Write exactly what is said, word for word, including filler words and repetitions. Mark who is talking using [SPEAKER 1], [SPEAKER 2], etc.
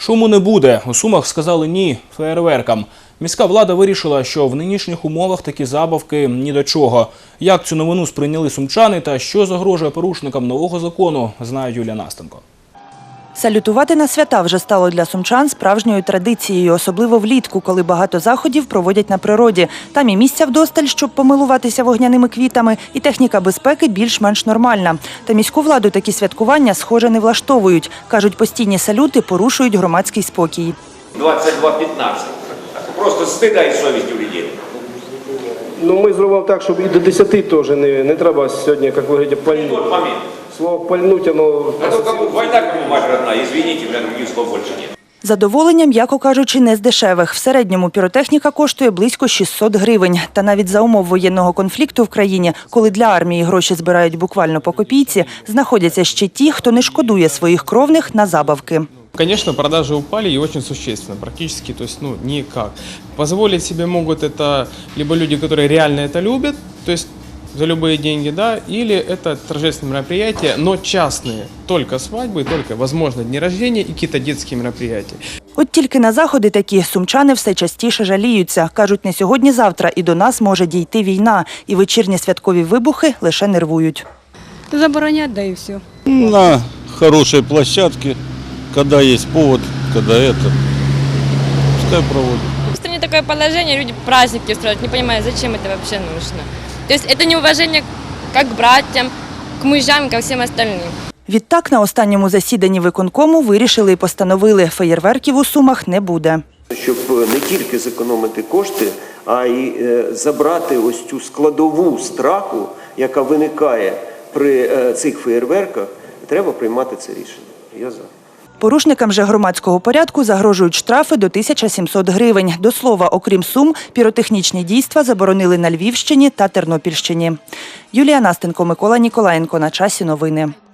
[SPEAKER 1] Шуму не буде. У Сумах сказали ні феєрверкам. Міська влада вирішила, що в нинішніх умовах такі забавки ні до чого. Як цю новину сприйняли сумчани та що загрожує порушникам нового закону, знає Юлія Настенко.
[SPEAKER 2] Салютувати на свята вже стало для сумчан справжньою традицією, особливо влітку, коли багато заходів проводять на природі. Там і місця вдосталь, щоб помилуватися вогняними квітами, і техніка безпеки більш-менш нормальна. Та міську владу такі святкування, схоже, не влаштовують. Кажуть, постійні салюти порушують громадський спокій.
[SPEAKER 3] двадцять два п'ятнадцять. Просто стида і совість у людей.
[SPEAKER 4] Ну, ми зробимо так, щоб і до десяти теж не, не треба сьогодні, як ви говорите, пальнути.
[SPEAKER 3] Тот момент.
[SPEAKER 4] Слово «пальнуть» оно...
[SPEAKER 3] А то кому война, кому мать родная, извините, у меня других слов больше нет.
[SPEAKER 2] Задоволення, м'яко кажучи, не з дешевих. В середньому піротехніка коштує близько шістсот гривень. Та навіть за умов воєнного конфлікту в країні, коли для армії гроші збирають буквально по копійці, знаходяться ще ті, хто не шкодує своїх кровних на забавки.
[SPEAKER 5] Конечно, продажи упали и очень существенно, практически, то есть, ну, никак. Позволить себе могут это либо люди, которые реально это любят, то есть за любые деньги, да, или это торжественные мероприятия, но частные, только свадьбы, только, возможно, дни рождения и какие-то детские мероприятия.
[SPEAKER 2] От тільки на заходи такі сумчани все частіше жаліються. Кажуть, не сьогодні-завтра і до нас може дійти війна, і вечірні святкові вибухи лише нервують.
[SPEAKER 6] Заборонять, да и все.
[SPEAKER 7] На хорошей площадке, когда есть повод, когда это, пускай проводят.
[SPEAKER 8] В стране такое положение, люди праздники устраивают, не понимаю, зачем это вообще нужно. То есть это неуважение как к братьям, к мужам, ко всем остальным.
[SPEAKER 2] Відтак, на останньому засіданні виконкому вирішили і постановили, феєрверків у Сумах не буде.
[SPEAKER 9] Щоб не тільки зекономити кошти, а й забрати ось цю складову страху, яка виникає при цих феєрверках, треба приймати це рішення. Я за.
[SPEAKER 2] Порушникам же громадського порядку загрожують штрафи до тисячі сімсот гривень. До слова, окрім Сум, піротехнічні дійства заборонили на Львівщині та Тернопільщині. Юлія Настенко, Микола Ніколаєнко. На часі новини.